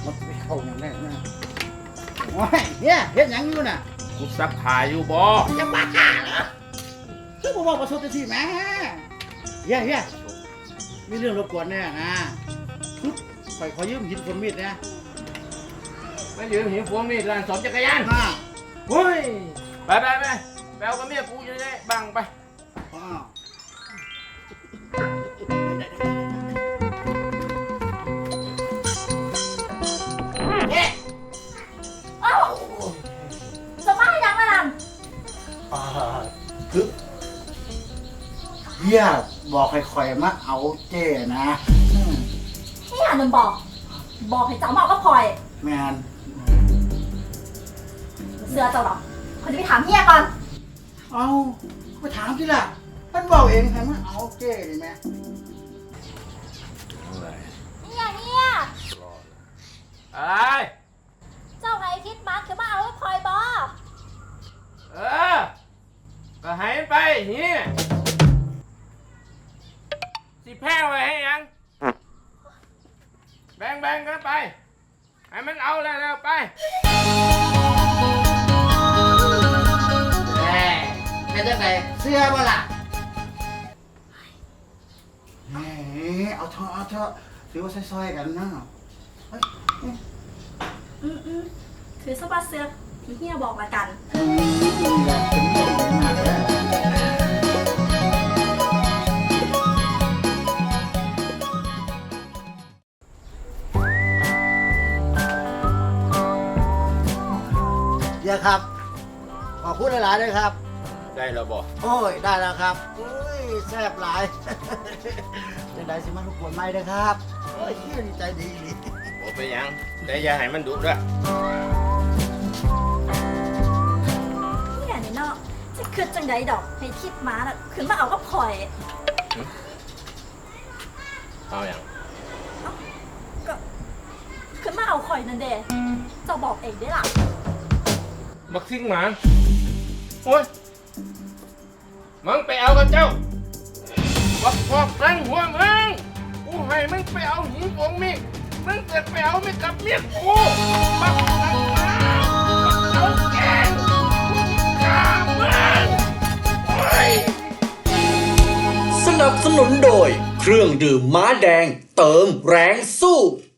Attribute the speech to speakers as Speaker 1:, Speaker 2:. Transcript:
Speaker 1: มันไปเข้าอย่างแรกนะโอ้ยเนี่ยเฮ็ดหยังอยู่น่ะ
Speaker 2: กูซักผ้าอยู่บ่
Speaker 1: จะบ้าเหรอคือผมบอกประสบที่แม่เฮียมีเรื่องรบกวนแน่นะขอยืมหินคนมีดนะ
Speaker 2: มายืมหิวพวงมีดร้านสอมจักรยาน
Speaker 1: อ่า
Speaker 2: เฮ้ยไปแปลกับเมียกูอยู่ได้บังไป
Speaker 1: อ่า
Speaker 3: เอ้าจะมาให้ยังไงนั่น
Speaker 1: คือเฮียบอกค่อยๆมาเอาเจ้นะอืม
Speaker 3: นี่หันมันบอกให้เจ้าเมาก็พลอย
Speaker 1: แมน
Speaker 3: เสือเจ้าหรอเขาจะไปถามเฮียก่อน
Speaker 1: เอาไปถามที่ล่ะมันบอกเองให้มาเอาเจ้นี่แม่
Speaker 3: เนี่ย
Speaker 2: อะไร
Speaker 3: เจ้าไงคิดมาคือมาเอาก็พลอยบอ
Speaker 2: เออก็ให้มันไปนี่สิแพ้ไว้ให้ยังแบ่งกันไปให้มันเอาแล้วไป
Speaker 1: แม่จะไหนเสื้อบ่ล่ะแหมเอาเถอะถือว่าซอยๆกันนะเฮ้ย
Speaker 3: ถือสบัดเสือที่เฮียบอกละกัน
Speaker 1: นี่แหละเป็นเรื่องดีมากเลยเดี๋ยวครับ ขอพูดหลายๆด้วยครับ
Speaker 2: ได้แล้วบ่
Speaker 1: โอ้ย ได้แล้วครับโอ้ยแซ่บหลาย จะได้สิมาทุกคนไม่ได้ครับโอ้ยเฮียดีใจดี
Speaker 2: บ่ไปหยังแต่อย่าให้มันดุเด้อ
Speaker 3: เนี่ยนี่เนาะจะคืดจังใดดอกให้คิดมาน่ะขึ้นมาเอาก็พลอย
Speaker 2: เอาอย่าง
Speaker 3: ก็ขึ้นมาเอาคอยนั่นเด้เจ้าบอกเองได้ล่ะ
Speaker 2: บักซิ่งหมาโอ้ยมึงไปเอากับเจ้าบักพอกตั้งหัวมึงกูให้มึงไปเอาหินของมีดมึงเกิดไปเอาไม่กับเมียกูบักตั้งหมาบักเอาแกงกามึงโอ้ย
Speaker 4: สนับสนุนโดยเครื่องดื่มม้าแดงเติมแรงสู้